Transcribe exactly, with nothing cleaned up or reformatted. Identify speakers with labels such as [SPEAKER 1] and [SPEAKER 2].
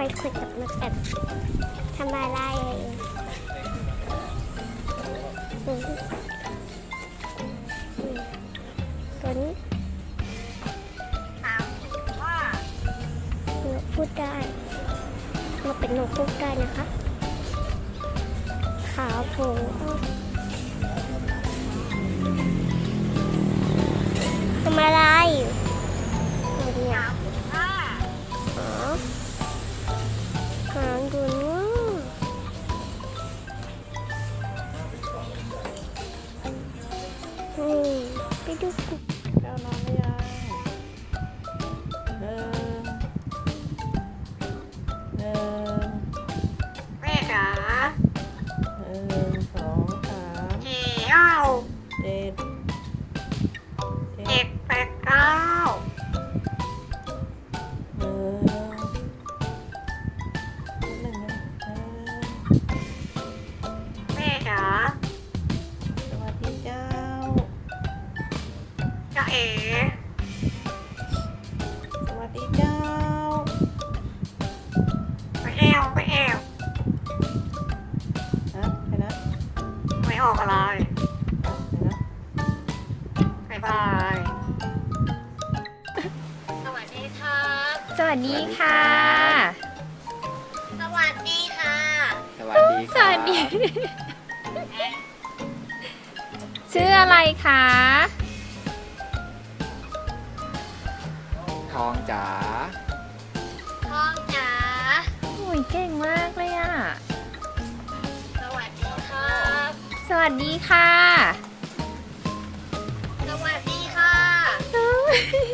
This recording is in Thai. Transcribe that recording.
[SPEAKER 1] อยคุยกับนกแบบทำอะไรอืมอืมตัวนี้นกพูดได้นกเป็นนกพูดได้นะคะขาวโผล่ทำอะไรตัวเนี้ยอ๋อหางดูนู้นอืมไปดูกุ๊ก
[SPEAKER 2] แก้วนอนหรือยังหนึ่งหนึ่ง
[SPEAKER 3] แม่จ๋า
[SPEAKER 2] หนึ่งสองสาม
[SPEAKER 3] เก้า
[SPEAKER 2] เจ็ด
[SPEAKER 3] เจ็ดแปดเก้า
[SPEAKER 2] หนึ่งหนึ่งหนึ่ง
[SPEAKER 3] แม่จ๋า
[SPEAKER 2] สวัสดีเจ้า
[SPEAKER 3] จ้าเอ๋
[SPEAKER 2] สวัสดีเจ้า
[SPEAKER 3] ไปแอวไปแอว
[SPEAKER 2] ฮะไปนะ
[SPEAKER 3] ไม่ออกอะไร
[SPEAKER 2] ไปนะ
[SPEAKER 3] บ๊ายบายสวัสดีครับ
[SPEAKER 4] สวัสดีค่ะ
[SPEAKER 3] สวัสดีค่ะ
[SPEAKER 5] สวัสดี
[SPEAKER 4] สวัสดี ชื่ออะไรคะ
[SPEAKER 5] ทองจ๋า
[SPEAKER 3] ท้องจ๋า
[SPEAKER 4] โอ้ยเก่งมากเลยอ่ะ
[SPEAKER 3] สวัสดีครับ
[SPEAKER 4] สวัสดีค่ะ
[SPEAKER 3] สวัสดีค่ะ